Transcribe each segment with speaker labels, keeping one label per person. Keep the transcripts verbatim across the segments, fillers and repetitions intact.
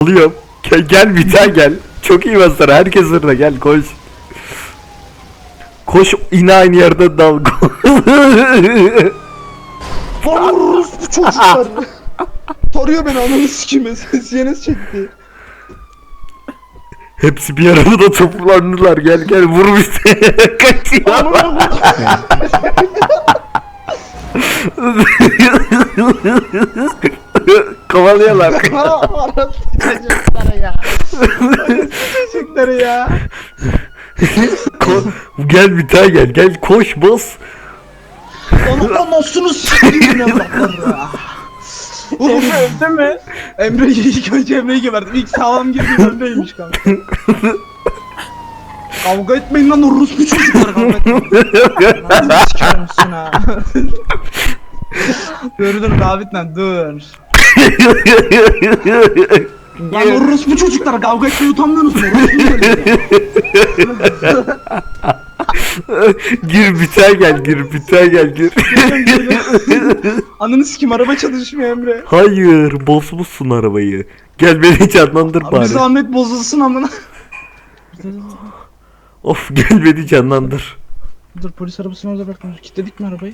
Speaker 1: Alıyorum. Gel, gel bir daha gel. Çok iyi basar. Herkes hırda gel koş. Koş yine aynı yerden dal.
Speaker 2: Vururuz bu çocuklar. Tarıyor beni ananı sikime. Ses yenesi çekti.
Speaker 1: Hepsi bir arada da toplandılar. Gel gel vur bizi. Kaçıyor. Kovalıyorlar.
Speaker 2: Arası çocukları ya. Arası çocukları ya.
Speaker 1: Ko- gel bir daha gel. Gel koş bas.
Speaker 2: Onu anasını sikeyim ya ya.
Speaker 3: Emre öldü mü?
Speaker 2: Emre'yi ilk önce Emre'yi geberdim. İlk sağlam girdiğim Emre'ymiş kanka. Kavga etmeyin lan orospu çocuklar, kavga etmeyin. Lan sikerim misin ha? Dur dur David lan dur. Lan orospu çocuklar, kavga etmeyi utanmıyorsunuz mu?
Speaker 1: Gir bir daha gel. Gir bir daha gel. Gir.
Speaker 2: Ananı sikim, araba çalışmıyor Emre.
Speaker 1: Hayır, bozmuşsun arabayı. Gel beni canlandır
Speaker 2: Abi
Speaker 1: bari.
Speaker 2: zahmet bozulsun amına.
Speaker 1: Of gel beni canlandır.
Speaker 2: Dur polis arabasını orada bırakma. Kilitledik mi arabayı?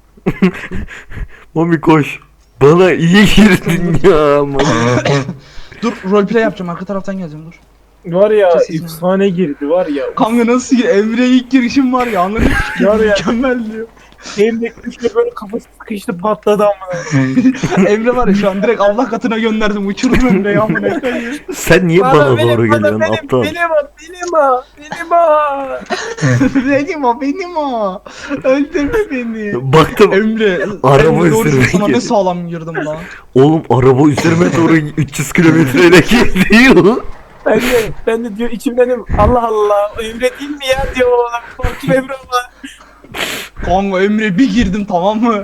Speaker 1: Mami koş. Bana iyi girdin ya Mami.
Speaker 2: Dur roleplay yapacağım, arka taraftan geleceğim dur.
Speaker 3: Var ya
Speaker 2: Kesin.
Speaker 3: efsane girdi var ya.
Speaker 2: Kanka nasıl gir? Emre'ye ilk girişim var ya, anladın mı?
Speaker 3: Var ya.
Speaker 2: Mükemmel diyor.
Speaker 3: Elimde üçle böyle kafası sıkıştı patladı amına.
Speaker 2: Emre var ya şu an direkt Allah katına gönderdim, uçurdum Emre'yi amına koyayım.
Speaker 1: Sen niye bana, doğru geliyorsun
Speaker 3: benim,
Speaker 1: aptal?
Speaker 3: Benim o benim o benim o.
Speaker 2: Benim o benim o. Öldürme beni.
Speaker 1: Baktım
Speaker 2: Emre,
Speaker 1: Araba
Speaker 2: Emre doğru
Speaker 1: üzerine
Speaker 2: sana ne
Speaker 1: girdi.
Speaker 2: sağlam girdim lan.
Speaker 1: oğlum araba üzerime doğru üç yüz kilometreyle gidiyor.
Speaker 3: Ben de ben de diyor içimden dedim, Allah Allah Emre değil mi ya diyor oğlum. Korktum Emre ama.
Speaker 2: Kanka Emre bir girdim, tamam mı?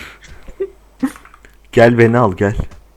Speaker 1: Gel beni al gel.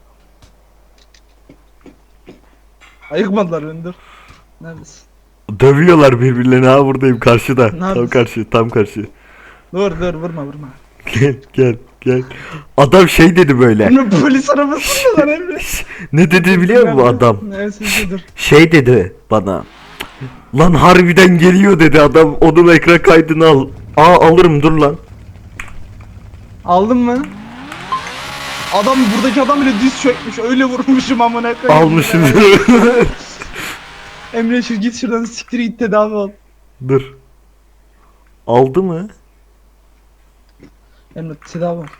Speaker 2: Ayıkmadılar beni, dur. Neredesin?
Speaker 1: Dövüyorlar birbirlerini, ha buradayım karşıda. Tam
Speaker 2: Neredesin?
Speaker 1: karşı tam karşı.
Speaker 2: Dur dur vurma vurma.
Speaker 1: Gel gel gel. Adam şey dedi böyle.
Speaker 2: Emre polis arabasında lan Emre.
Speaker 1: Ne dedi biliyor musun adam?
Speaker 2: Neyse dur.
Speaker 1: Şey dedi bana. Lan harbiden geliyor dedi adam. Onun ekran kaydını al. Aa alırım dur lan.
Speaker 2: Aldın mı? Adam, buradaki adam bile düz çökmüş, öyle vurmuşum amına koyayım.
Speaker 1: Almışım.
Speaker 2: Emre şu git şuradan, siktir git, tedavi ol.
Speaker 1: Dur. Aldı mı?
Speaker 2: Emre tedavi ol.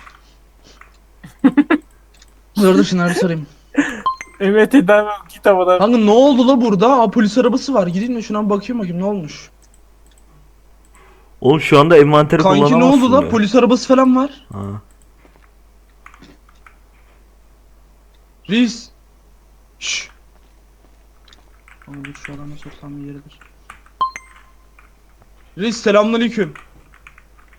Speaker 2: Dur dur şunları bir sorayım.
Speaker 3: Emre tedavi ol, git havadan.
Speaker 2: Kanka ne oldu la burada? Aa polis arabası var. Gideyim de şuna bir bakayım bakayım ne olmuş.
Speaker 1: Oğlum şu anda envanteri
Speaker 2: Kanki ne
Speaker 1: kullanamazsın
Speaker 2: oldu la?
Speaker 1: ya.
Speaker 2: Polis arabası falan var.
Speaker 1: Ha.
Speaker 2: Reis. Şşş. Kanka dur şu adama sorsam bir yeridir. Reis selamünaleyküm.